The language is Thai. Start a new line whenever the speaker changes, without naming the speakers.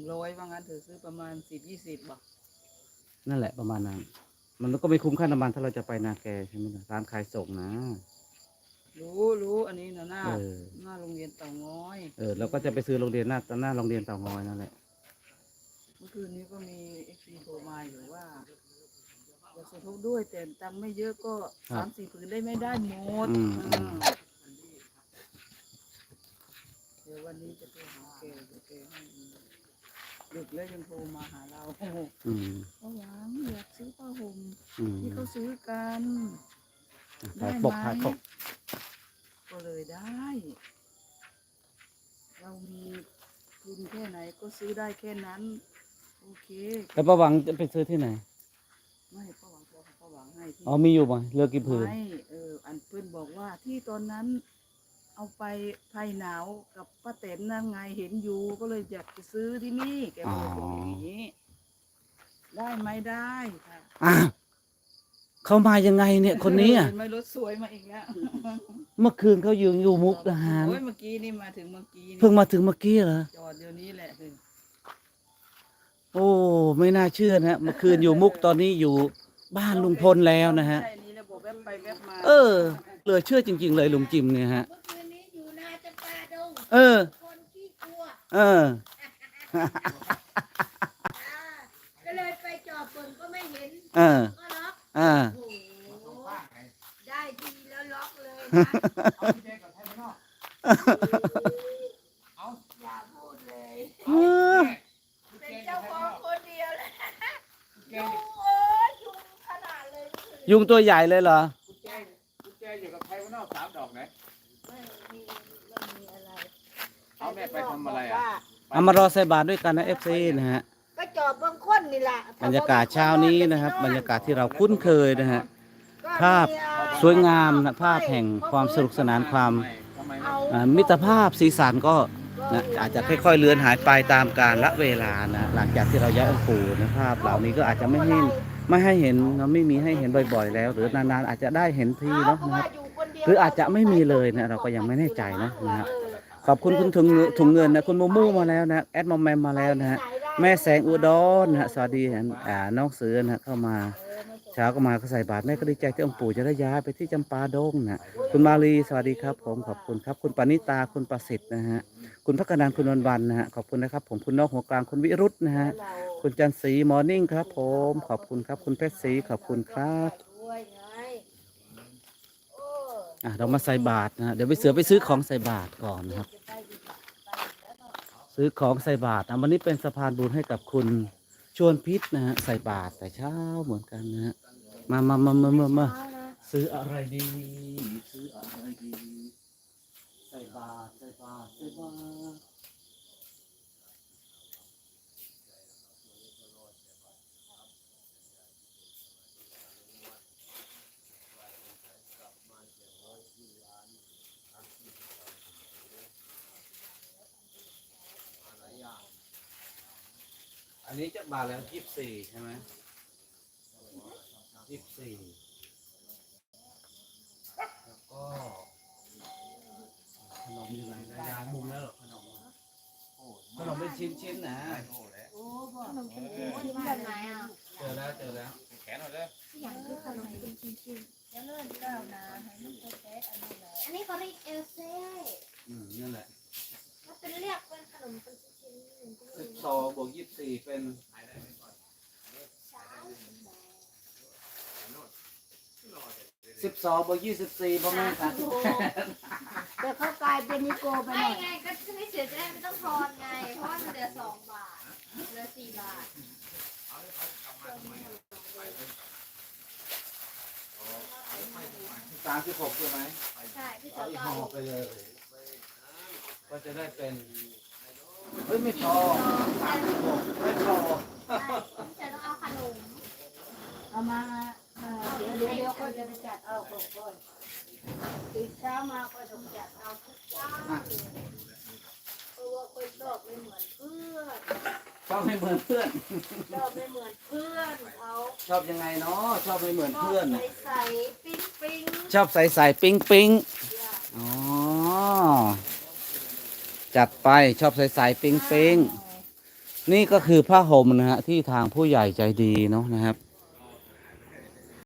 100ว่างั้นเธอซื้อประมาณ10-20บาท
นั่นแหละประมาณนั้นมันก็ไม่คุ้มค่าน้ำมันถ้าเราจะไปนาแกใช่ไหมล่ะร้านขายส่งนะ
รู้อันนี้นะหน้าโรงเรียนเต่างอย
เราก็จะไปซื้อโรงเรียนหน้าโรงเรียนเต่างอยนั่นแหละ
เมื่อคืนนี้ก็มีFCโทรมาอยู่ว่าอยากสมทบด้วยแต่ตังค์ไม่เยอะก็3-4 ผืนได้ไม่ได้หมดเดี๋ยววันนี้จะไปหาแกให้ดึกแล้วยังโทรมาหาเราเขาหวังอยากซื้อผ้าห่มที่เขาซื้อกันได้ไหมก็เลยได้เรามีทุนแค่ไหนก็ซื้อได้แค่นั้นโอเค
แล้วป้าหวังจะไปซื้อที่ไหน
ไม่ป้าหวังให้ที่
มีอยู่บ่เลือกกี่ผืน
ไม่อันเพื่อนบอกว่าที่ตอนนั้นเอาไปไผ่หนาวกับป้าเต็นนั่นไงเห็นอยู่ก็เลยอยากจะซื้อที่นี่แกบอกอย่างนี้ได้ไหมได้ค่ะ
เขามายังไงเนี่ยคนนี้
ไม่รถสวยมาอีกแล้ว
เมื่อคืนเขาอยู่มุกดาหาร
เมื่อกี้นี่มาถึงเมื่อกี้
เพิ่งมาถึงเมื่อกี้เหรอ
จอดเดี๋ยวนี้แหละ
โอ้ไม่น่าเชื่อนะเมื่อคืนอยู่มุกตอนนี้อยู่บ้านลุงพลแล้วนะฮะเหลือเชื่อจริงๆเลยลุงจิมเนี่ยฮะ
ก็เลยไปจอบฝนก็ไม่เห็นก็ล็อกได้ทีแล้วล็อกเลยนะอย่าพูดเลยเป็นเจ้าของคนเดียวเลยยุงยุงขนาดเลย
ยุงตัวใหญ่เลยเหรอ
กุญแจอยู่กับไทยข้างนอก3 ดอกไหน
ไม่มีอะไร
เอาแม่ไปทำอะไรอ่ะ
เอามารอใส่บาตรด้วยกันนะFCนะฮะ
ก็จอบบางคนนี่แหละ
บรรยากาศเช้านี้นะครับบรรยากาศที่เราคุ้นเคยนะฮะภาพสวยงามนะภาพแห่งความสนุกสนานความมิตรภาพสีสันก็นะอาจจะค่อยๆเลือนหายไปตามกาลละเวลานะหลังจากที่เราย้ายองค์ปู่นะภาพเหล่านี้ก็อาจจะไม่ให้เห็นนะไม่มีให้เห็นบ่อยๆแล้วหรือนานๆอาจจะได้เห็นทีเนาะนะครับหรืออาจจะไม่มีเลยนะเราก็ยังไม่แน่ใจนะฮะขอบคุณคุณถุงเงินนะคุณโมมู่มาแล้วนะแอดมอมแมมมาแล้วนะฮะแม่แสงอุดรนะฮะสวัสดีน้องเสือนะเข้ามาเช้าก็มาก็ใส่บาตรแม่ก็ดีใจที่องค์ปู่จะได้ย้ายไปที่จำปาดงนะคุณมาลีสวัสดีครับผมขอบคุณครับคุณปณิตาคุณประสิทธิ์นะฮะคุณพักนันคุณวันนะฮะขอบคุณนะครับผมคุณนอกหัวกลางคุณวิรุธนะฮะคุณจันทร์ศรีมอร์นิ่งครับผมขอบคุณครับคุณเพชรศรีขอบคุณครับเรามาใส่บาตรนะเดี๋ยวไปเสือไปซื้อของใส่บาตรก่อนนะครับซื้อของใส่บาตรวันนี้เป็นสะพานบุญให้กับคุณชวนพิษนะฮะใส่บาตรแต่เช้าเหมือนกันนะฮะมาซื้ออะไรดีซื้ออะไรดีใส่บาตรอันนี้จะบาทแล้ว24ใช่ไหม24แล้วก็ขนมอยู่ไหนได้ยามุมแล้วหรอขนมเป็นชิ้นๆนะ
ขนมชิ้นแบบไหนอ่ะ
เจอแล้ว
แขนหน่อยเลย
อย่างคือขนมเป็นชิ้นๆแล้วเลื่อนก้าวนะให้มันแท้ๆอันนี้เขาเรียกเอลเซ่
นั่นแหละ
มันเป็นเรียกเป็นขนมเป็นชิ้น
12 บวก 24เป็น12 บวก 24ประมาณ
38แต่เขากลายเป็นนิโกไปหน่อย
ไงก็ไม่เสียจะได้ไม่ต้องทอนไงเพราะมันเหลือ2 บาทเหลือ4 บาท
36ใช่ไหม
ใช่พี่
เอาอีกห่อไปเลยก็จะได้เป็นไม่พอ36ไม่พอ
จะต้องเอาขนม
เอามาเดี๋ยวก็จะไปจัดเอาก่อนตื่นเช้ามาก็ต้องจัดเอาทุกเช้าเพราะว่าคนชอบไม่เหมือนเพื่อน
ชอบไม่เหมือนเพื่อน
ชอบไม่เหมือนเพื่อนเขา
ชอบยังไงเนาะชอบไม่เหมือนเพื่อน
ใส่ปิ๊ง
ชอบใส่ปิ๊งอ๋อจัดไปชอบใส่ปิ๊งนี่ก็คือผ้าห่มนะฮะที่ทางผู้ใหญ่ใจดีเนาะนะครับ